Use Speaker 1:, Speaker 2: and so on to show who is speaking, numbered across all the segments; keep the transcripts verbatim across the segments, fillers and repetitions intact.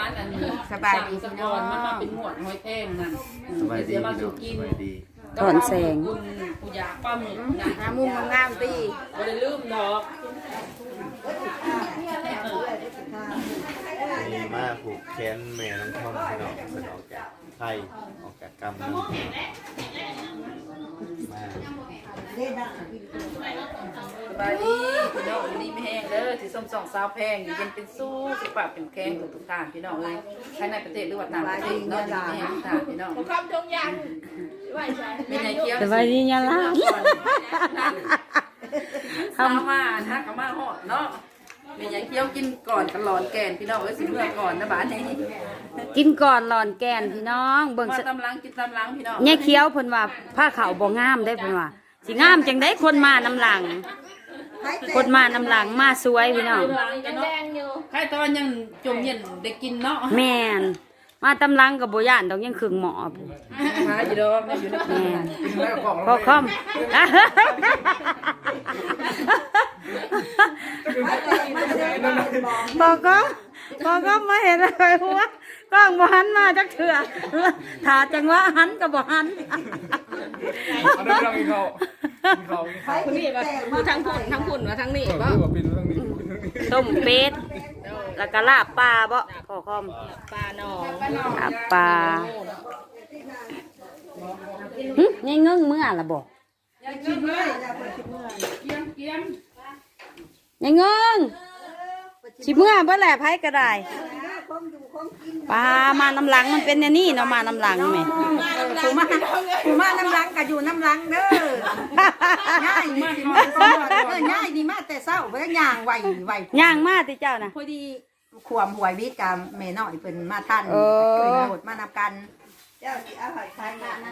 Speaker 1: านอันนี้
Speaker 2: สบายดี
Speaker 1: สะกอนมันมาเป็นหมวดหอยแท่งนั่น
Speaker 3: สบายดี
Speaker 1: มา
Speaker 3: พี่น้
Speaker 1: สู่
Speaker 3: อง
Speaker 1: กิ
Speaker 3: ส
Speaker 1: น
Speaker 3: บายดี
Speaker 4: ถอนแสง
Speaker 1: คุณผู้ยาป้าหมึกนะ
Speaker 2: หามุมงามๆตี
Speaker 1: บ่ได้ลืมดอก
Speaker 3: มีมาผูกแขนแม่น้องท่อมพี่น้องเป็นออกจากไทยออกจากกรรมนึงมา
Speaker 1: สบายดีพี่น้องอยู่ดีไม่แห้งเด้อที่ส้มสองสาวแพงอยู่เย็นเป็นสู้สุขภาพเป็นแข็งทุกทุกๆท่านพี่น้องเลยภายในประเทศหรือว่าต่างประเทศเนาะอยู่ดีไม่แห้งทุกท่านพี่น้องคำจงยังเป็นไงเคี้ยว
Speaker 4: สบายดียะล่ะ
Speaker 1: ข้าวมาถ้าก็มาหอดเนาะเป็นไงเคี้ยวกินก่อนตลอดแกนพี่น้องเอ้ยสิเมื่อก่อนนะบ้านนี้
Speaker 4: กินก่อนหลอนแกนพี่น้องเบิ่ง
Speaker 1: มา
Speaker 4: ส
Speaker 1: ตำลังกินตำลังพี่น้อง
Speaker 4: เนี่ยเคี้ยวเพิ่นว่าผ้าขาวบ่งามได้เพิ่นว่าสิงามจังได้คนมาน้ำหลัง คนมาน้ำหลังมาสวยพี่น้อง
Speaker 1: ยังแดงอยู่ใครตอนยังจมเย็นได้กินเนาะ
Speaker 4: แม่นมาตำลังกับบ่ย่านดอกยังครึ่งหมอ
Speaker 1: หาอยู่ดอกอยู่ใน
Speaker 4: แม่นพอคอมบอกก็บอกก็มาเห็นอะไรหัวกล้องบ่หันมาจักเถื่อถ้าจังว่าหันก็บ่หัน
Speaker 5: เอาได้ไม่ต้องกินข้าวกินข้าวกินข้าว
Speaker 2: คุณนี่มาทั้งผุ่นทั้งผุ่นมาทั้งนี่
Speaker 5: เออ
Speaker 2: บ่
Speaker 5: คือว่าเป็นเรื่องนี้
Speaker 4: ต้มเป็ดแล้วก็ลาบปลาบ่พอคอม
Speaker 2: ปลาหนอง
Speaker 4: ลาบปลาหึยังเงึ้งเมื่อละบ่
Speaker 1: กินเลยเกียมเกียม
Speaker 4: ยังเงึ้งสิเมื่อบ่แหละไผก็ได้ปลามาน้ำหลังมันเป็นแนวนี่เนาะมาน้ำหลังแม่
Speaker 2: ผู้มาผู้มาน้ำลังก็อยู่น้ำลังเด้อง่ายมาเออง่ายดีมากแต่เศร้าเพิ่นย่างไหวไหว
Speaker 4: ย่างมาติเจ้าน่ะ
Speaker 2: พอดีขวมหวยวิทย์กับแม่น้อยเพิ่นมาท่าน
Speaker 4: เออ
Speaker 2: เพิ่นโหดมานำกันเจ้าสิเอาหอยทานนั้น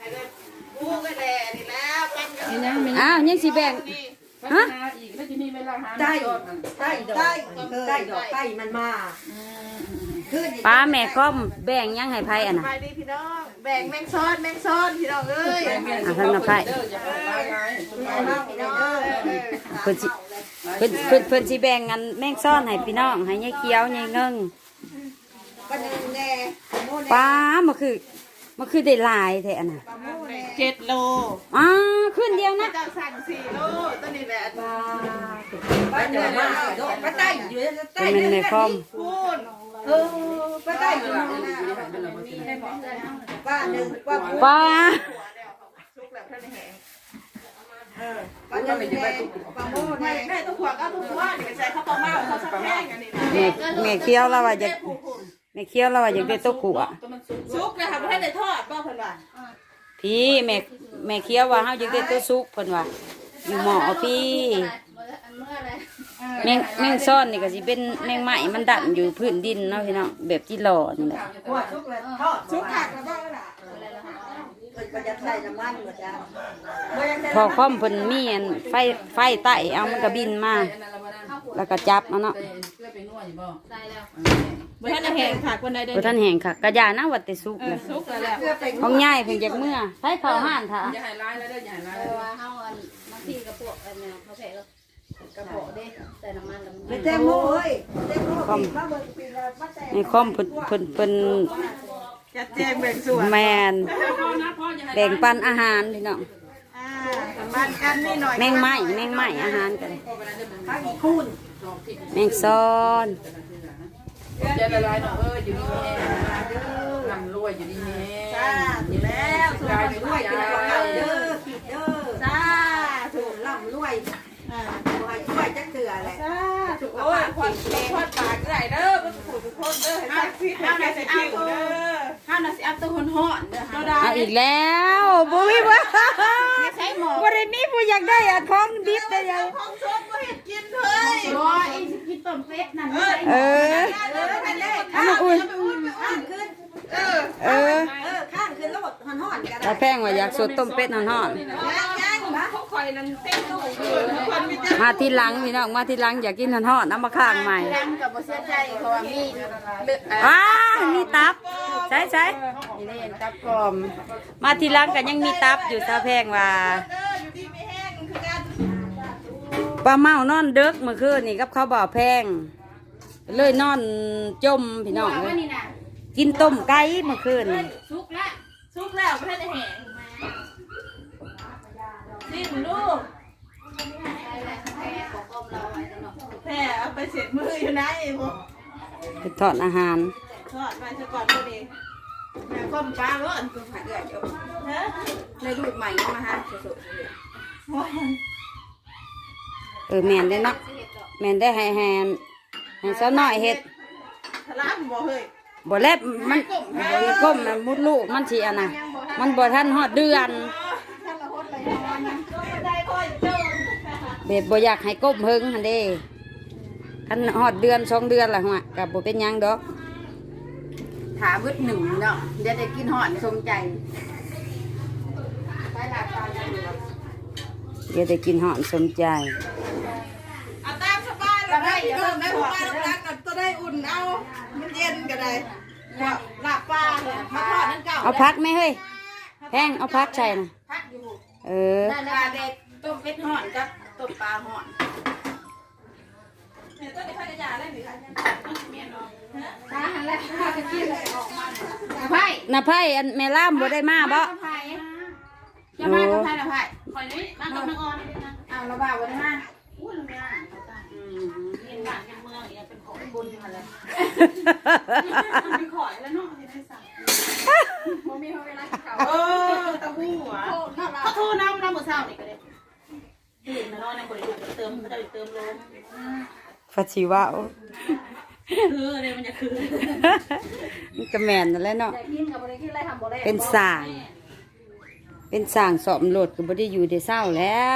Speaker 4: อ้าวยังสิแบ่ง
Speaker 1: พัฒนาอีกแล้วจะมีเวลาหา
Speaker 2: ได้
Speaker 1: ดอก
Speaker 2: ได้ได้ได้ดอกไก่มันมาขึ้น
Speaker 4: ปลาแม่คอมแบ่งยังให้ไผอ่ะน่ะ
Speaker 6: ไปดิพี่น้องแบ่งแมงซ้อนแมงซ้อนพี่น้องเอ้ย
Speaker 4: อ่ะท่านน่ะไผ
Speaker 1: เด้ออย่าไปปลาไง
Speaker 2: พี่น้อง
Speaker 4: เพิ่นสิเพิ่นเพิ่นเพิ่นสิแบ่งกันแม่งซ่อนให้พี่น้องให้ยายเขียวยายเงิง
Speaker 2: ปลาหนึ่งแน่โม่
Speaker 4: ปลามันคือมันคือได้หลายแท้อันน่ะ
Speaker 6: เจ็ดโล
Speaker 4: อ้าขึ้นเดียวนะ
Speaker 6: เจ้าสั่งสี่โลตัวนี้แหละ
Speaker 2: ปลาปลาเดือดมากปลาไต่อยู่ใต้
Speaker 4: เป็นแม่คอม
Speaker 6: พูด
Speaker 2: เออปลาไต่อยู่ปลาหนึ่งปลา
Speaker 4: ปลา
Speaker 6: ชุกแล้วท่านแหง
Speaker 2: ปลาหนึ่งแน่ปลาโม่
Speaker 6: ไม่
Speaker 2: แน่
Speaker 6: แม่ต้องขวางก็ต้องขวางนี่ใส่ข้าวปลาเมาข้าวสักแห้งอันนี้
Speaker 4: แม่แม่เขียวแล้วว่าจะแม่เขียวแล้วว่าอยากได้ตัวกุอ่ะ
Speaker 6: ชุกนะคะไม่ให้ได้ทอดบ้างเพิ่นว่า
Speaker 4: พี่แม่แม่เขียวว่าเฮาอยากได้ตัวสุกเพิ่นว่าอยู่หมอพี่แมงแมงซ่อนนี่ก็สิเป็นแมงไหม้มันดันอยู่พื้นดินเนาะพี่น้องแบบที่หล่อนี่แหละ
Speaker 2: หัวชุกเลยทอดชุกหักแล้วบ้างล่ะก็จะใส่น้ำมันหมดจ้า
Speaker 4: พอคอมเพิ่นมีอันไฟไฟไต่เอามันก็บินมาแล้วก็จับเอาเนาะ
Speaker 1: เพื่อไปนวดอยู่บ่ได้แล้ว
Speaker 6: ไม่ให้ได้แหงขาดคนใดเดิน
Speaker 4: บ่ทันแห้งค่ะกระยานะว่าแต่สุกเลย
Speaker 6: ชุกแล้ว
Speaker 2: เพื่อไป
Speaker 4: ของยายเพิ่นจากเมื่อใช้ข้าวห่านท่า
Speaker 1: อย่าให้ร้ายแล้วเด้ออย่าให้ร้ายแล้ว
Speaker 7: ว่าเฮาอันบางทีกระปุกอันเนี่ยเขาใส่กระปุกเด้ใส่น้ำมันแล้วมัน
Speaker 2: ไปเต็มโม่เอ้ยเต็มโม่มาเบิ่งปีละมาแต่
Speaker 4: ในคอมเพิ่นเพิ่นเพิ่น
Speaker 6: จัดแจงแบ่งส่วน
Speaker 4: แมนแบ่งปันอาหารพี่น้อง
Speaker 6: อ่าบ้านกันนี่หน่อย
Speaker 4: แมงไม้แมงไม้อาหารกัน
Speaker 2: ข้าวอีคูน
Speaker 4: แมงซ้อน
Speaker 1: อย่าละลายเนาะเอออยู่ดีแม่ร่ำรวยอยู่ดีแม่
Speaker 2: จ้าอยู่แล้วสุดท้ายรวยกินของเราเด้อขีดเด้อจ้าถูกล่ำรวยอ่าช่วยช่วยจักเถื่อแหละ
Speaker 6: ถูกโอ้ยควันควันปากเด้อเด้อมันผูกทุกคนเด้อให้จักพิษให้ใส่คิวเด้อ
Speaker 1: ห้านาทีอัพตัวคนห่อนเด้อ
Speaker 6: ตัวใด
Speaker 4: เอาอีกแล้วบ่มีบ่บ่ได้มีผู้อยากได้อะของดิบได้ยัง
Speaker 6: ของชมก็เห็ดกินเฮ้ย
Speaker 7: บ่เองสิกินต้มเป็ดนั่น
Speaker 6: เออ
Speaker 4: เออ
Speaker 2: เออไปเลย
Speaker 4: เอามาอุ่น
Speaker 2: ข้างขึ้น
Speaker 6: เออ
Speaker 4: เออ
Speaker 2: เออข้างขึ้นแล้วหมดห่อนๆกัน
Speaker 4: ถ้าแพงว่าอยากสดต้มเป็ดฮ้อน
Speaker 2: ย่างย่างบ้า
Speaker 6: เขาคอยนั่นเต้นลูกเออคนมีแต่
Speaker 4: ๆมาทีหลังพี่น้องมาทีหลังอยากกินฮ้อนๆเอามาข้างใหม่
Speaker 7: รังกับบ่เสียใจเพราะว่ามี
Speaker 4: อ้ามีตับใช่ใช่นี่นี่ตับกรอมมาทีหลังก็ยังมีตับอยู่ถ้าแพงว่า
Speaker 6: เด้ออยู่ดีไม่แห้งคือกัน
Speaker 4: ปลาเมานอนเด็กเมื่อคืนนี่กับเขาวบ่อแพงไปเลยนอนจมพี่น้องเลยกินต้มไก่เมื่อคืนนี่
Speaker 6: ซุกละซุกแล้วไม่ได้แห้งนี่มึงลูกแพ้เอาไปเสร็จมืออยู่ไหนพวก
Speaker 4: ไปทอดอาหาร
Speaker 6: ทอดไปซะก่อนพอดีแม่ก้มปลาร้อนกูผัดเดือดอยู่ฮะ
Speaker 2: ในรูปใหม่มาฮะสุด
Speaker 4: เออแม่นได้เนาะแม่นได้ให้แฮนให้สาวน้อยเฮ็ด
Speaker 6: ทะลักบ่เฮ้ย
Speaker 4: บ่แลบมันบ่ก้มมันมุดลูกมันสิอันน่ะมันบ่ทันฮอดเดือนแบบบ่อยากให้ก้มเฮิงหั่นเด้คันฮอดเดือนสองเดือนล่ะฮะก็บ่เป็นหยังดอก
Speaker 2: ถาบึดหนึ่งเนาะเดี๋ยวได้กินหอดสมใจไปหลับตาอยู่
Speaker 4: เดี๋ยวได้กินหอมสมใจ
Speaker 6: เอาตามสบายแล้วได้พี่น้องได้ผมมาแล้วกันก็ได้อุ่นเอามันเย็นก็ได้หลับปลามาทอดนั่นเก่า
Speaker 4: เอาพักไหมเฮ้ยแพงเอาพักใส่นะ
Speaker 2: พักอยู่
Speaker 4: เออ
Speaker 2: ได้แล้วเด็ดต้มเป็ดหอดกับต้มปลาหอด
Speaker 6: เนี่ยต้นนี้พันยาได้ไหมคะเมียน้อง
Speaker 2: ตาหันแล้วข้าจะกินเลยออกมาไผ่
Speaker 4: น่ะไพ่อันแม่ล่ามบ่ได้มาบ่
Speaker 2: ไผ่จะมากับไผ่ละไผ่
Speaker 6: คอยนี้มากับนางออนนะ
Speaker 2: เอาละบ่าววันมา
Speaker 6: อู้ลุงย่าเขาตายเรียนบ้านเมืองอย่างเป็นของบุญมาเลยมีขอยแล้วเนาะที่ได้สั่ง
Speaker 2: บ่มีเวลาเขา
Speaker 6: เออตะบูหัวเขาโทรน้ำน้ำมือเช้านี่ก็ได้ตื่นมานอนในบริษัทเติมเขาจะเติมลม
Speaker 4: ฟัดสิว่าว
Speaker 6: คืออะไรมันจะคือ
Speaker 4: มันก็แม่นนั่นแหละเนาะ
Speaker 2: ได้กินกับบ่ได้กินอะไรทำบ่ได้
Speaker 4: เป็นสร้าง เป็นสร้างสอบโหลดก็บ่ได้อยู่ได้เศร้าแล้ว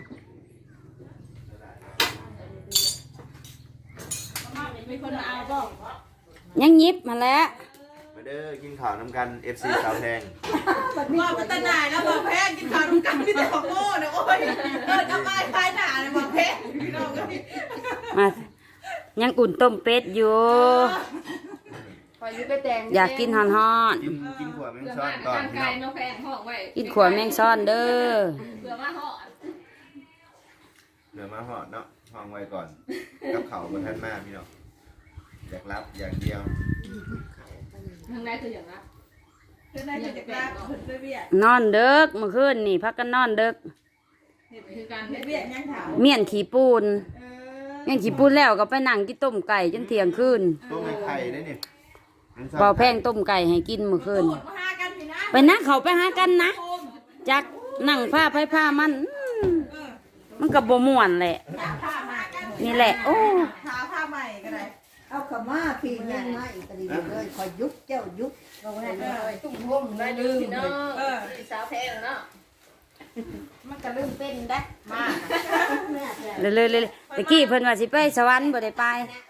Speaker 6: มีคนมาเอาบ้าง
Speaker 4: ยังยิบมาแล้ว
Speaker 3: มาเด้อกินข้าวน้ำกัน เอฟ ซี สาวแพง
Speaker 6: ว่าพัฒนาแล้วบอกแพงกินข้าวทุกกันพี่แต่ของโง่นะโอ้ยเออทำไมคลายหนาเลยบอกแพงพี่น้องก็
Speaker 4: มายังอุ่นต้มเป็ดอยู่
Speaker 2: คอยอยู่ไปแต่ง
Speaker 4: อยากกินฮ้อน
Speaker 3: กินกินขวดแมงซ้อนก่อนพี่น้อง
Speaker 7: แพงห้องไว้
Speaker 4: ๆกินขวดแมงซ่อนเด้อ
Speaker 7: เผื่อว่าห่อ
Speaker 3: เหลือมาหอดเนาะห้องไว้ก่อน กับเขาบนท่านมากพี่น้องอยากรับอย่างเดียว
Speaker 7: ทางในคืออย่างนั้น
Speaker 6: คือได้จะกล้าขึ้นด้วยเบี้ย
Speaker 4: นอนเด็กเมื่อคืนนี่พักกันนอนเด็ก
Speaker 7: คือการ
Speaker 6: เบี้ยยังถาม
Speaker 4: เมี่ยนขี้ปูน
Speaker 6: เออ
Speaker 4: เมี่ยนขี้ปูนแล้วก็ไปนั่งกินต้มไก่จนเที่ยงคืน
Speaker 3: ต้มไข่ได้เนี่ย
Speaker 4: เบาแพงต้มไก่ให้กินเมื่อคืน
Speaker 6: มาหากันพี่นะ
Speaker 4: ไปนะเขาไปหากันนะจักนั่งผ้าไผ่ผ้ามันอืมมันก็บ่ม่วนแหละ
Speaker 6: ผ้ามากัน
Speaker 4: นี่แหละ โอ้
Speaker 6: หาผ้าใหม่ก็ได้
Speaker 2: เอาขม่าพี่ยังมาอีกตะดีเลยคอยยุบเจ้ายุบเอาไว้เลยตุ้มห่มได้ลืม
Speaker 7: เนาะสาวแพงเนาะ
Speaker 2: มันก็ลืมเป็นได้มา
Speaker 4: เลยเลยเลยตะกี้เพิ่นว่าสิไปสวรรค์บ่ได้ไป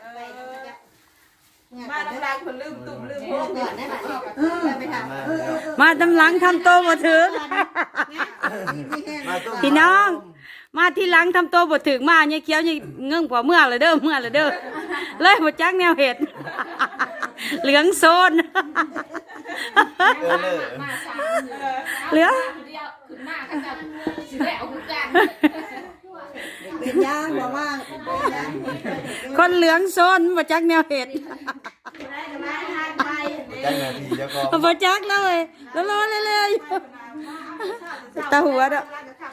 Speaker 6: มาน้ำลายคนลืมตุ่มลืมพวก
Speaker 2: ก่อนได้ไหมเออไปทำ
Speaker 4: มาตำหลังทำโตบ่ถึง
Speaker 3: มาต้ม
Speaker 4: พี่น้อง มาที่หลังทำโตบ่ถึงมาเนี่ยเขียวเนี่ยเงื่งกว่าเมื่อเลยเด้อเมื่อเลยเด้อเลยบ่จักแนวเห็ด เหลืองโซน
Speaker 3: เออเลย
Speaker 7: มาสาม
Speaker 4: เหลือง
Speaker 7: เดียวขึ้นมากันกันสิแหววคือกัน
Speaker 2: เป็นยางบอกว่า
Speaker 4: คนเหลืองโซนบ่จักแนวเห็ด
Speaker 3: จังนาทีเจ้าก็
Speaker 4: บ่จักเลยแล้วรอเลยๆตาหัวเด้อ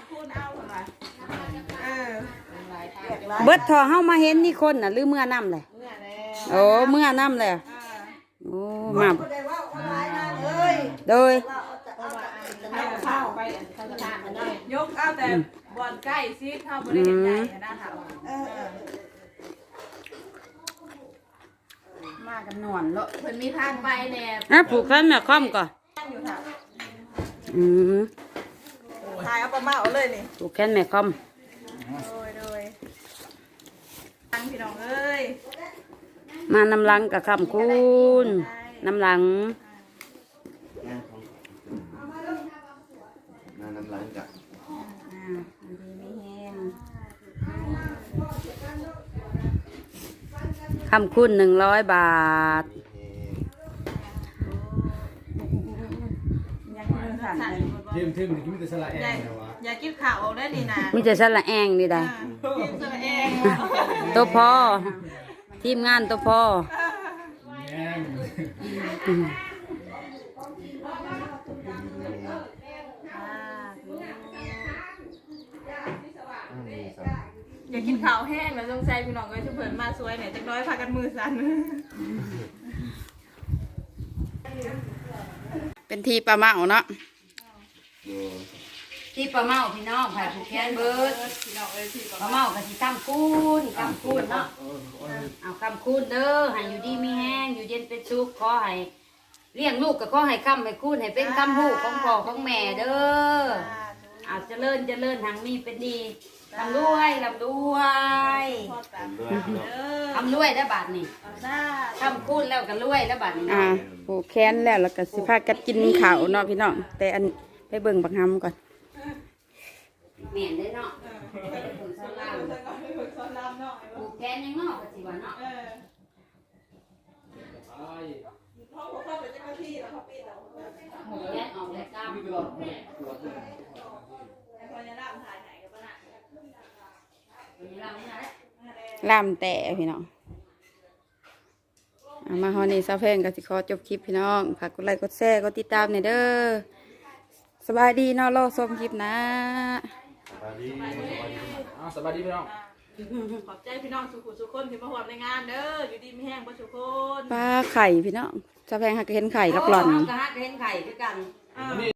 Speaker 6: เออ
Speaker 4: เบิดทอเฮามาเห็นนี่คนน่ะหรือเมื่อน้ำเลยโอ้เมื่อน้ำเลยโอ้มาโดย
Speaker 6: ข้าวไปยกเอาแต่บอลใกล้ซิข้าวบริเวณใหญ่นะถาม
Speaker 2: มากันนอนเลาะ
Speaker 7: เพิ่นมีทางไปแน่
Speaker 4: อ่ะผูกแขนแม่ค่อมก่อน
Speaker 6: อยู่ถาม
Speaker 4: อืม
Speaker 6: ถ่ายเอาประมาเอาเลยนี่
Speaker 4: ผูกแขนแม่ค่อม
Speaker 6: โดยโดยตั้งพี่น้องเอ้ย
Speaker 4: มาน้ำลังกับคำคุณน้ำลัง
Speaker 3: มาน้ำล้างกับ
Speaker 4: คำคุณหนึ่งร้อยบาท
Speaker 6: ยังกินสั่น
Speaker 5: เยี่ยมทึ่งนี่กินแต่สละแอนนะวะ
Speaker 6: อย่ากินข่าวได้ดีนะ
Speaker 4: มีแต่สละแองนี่ได้
Speaker 6: กินตัวเอง
Speaker 4: ตัวพอทีมงานตัวพ่อ
Speaker 5: แง่ง
Speaker 6: อยากกินข้าวแห้งแล้วสงสัยพี่น้องก็จะเพิ่นมาสวยเนี่ยจักน้อยพากันมือสั่น
Speaker 4: เป็นทีปลาเมาเนาะ
Speaker 2: ที่ปลาเมาพี่น้องไผ่ผูกแขนเบิด
Speaker 6: พี่น้องเอ้ยพี่
Speaker 2: ปลาเมาก็สิกำคูนกำคูนเนาะเอากำคูนเด้อให้อยู่ดีมีแห้งอยู่เย็นเป็นสุขขอให้เลี้ยงลูกก็ขอให้คำให้คูนให้เป็นคำหูของพ่อของแม่เด้อเอาเจริญเจริญทางมีเป็นดีลำรวยลำรวย
Speaker 6: พ่อตาม
Speaker 3: ด้วยพี่น้อง
Speaker 6: เด้อ
Speaker 2: ทำรวยได้อบาทนี่
Speaker 6: หน้า
Speaker 2: คำคูนแล้วก็รวยได้อบาทนี่
Speaker 4: อ่า
Speaker 2: เนาะ
Speaker 4: ผูกแขนแล้วแล้วก็สิพากันกินข้าวเนาะพี่น้องแต่อันไปเบิ่งบักหำก่อน
Speaker 2: แม่นได้เนาะผูกสลาม
Speaker 6: แล้วก็ไปฝึกสอนรำเนาะ
Speaker 2: ผูกแขนยังเนาะก็สิว่าเนาะ
Speaker 6: เออพ่อพ่อเข้าไปเจ้าหน้าที่แล้วเขาปิดแล้ว
Speaker 2: ผูกแขนออกแล้วกำ
Speaker 6: พญานาคถ่ายไหนกับปะน่ะ
Speaker 2: มีเราเนี่ยแหละ
Speaker 4: ลามแต่พี่น้องเอามาฮอนี่ซาเพลงก็สิขอจบคลิปพี่น้องฝากกดไลค์กดแชร์กดติดตามหน่อยเด้อสบายดีเนาะรอชมคลิปนะ
Speaker 3: สวัสดีสวัสดี
Speaker 5: อ้าวสบายดีพี่น้อง
Speaker 6: ขอบใจพี่น้องสุขุสุขคนที่มาหวมในงานเด้ออยู่ดีไม่แห้งบ่สุขคน
Speaker 4: ปลาไข่พี่น้องซาเพลงหักเห็นไข่กับหล่อน
Speaker 2: เาก็ฮักเห็นไข่ด้วยกัน
Speaker 6: อ่า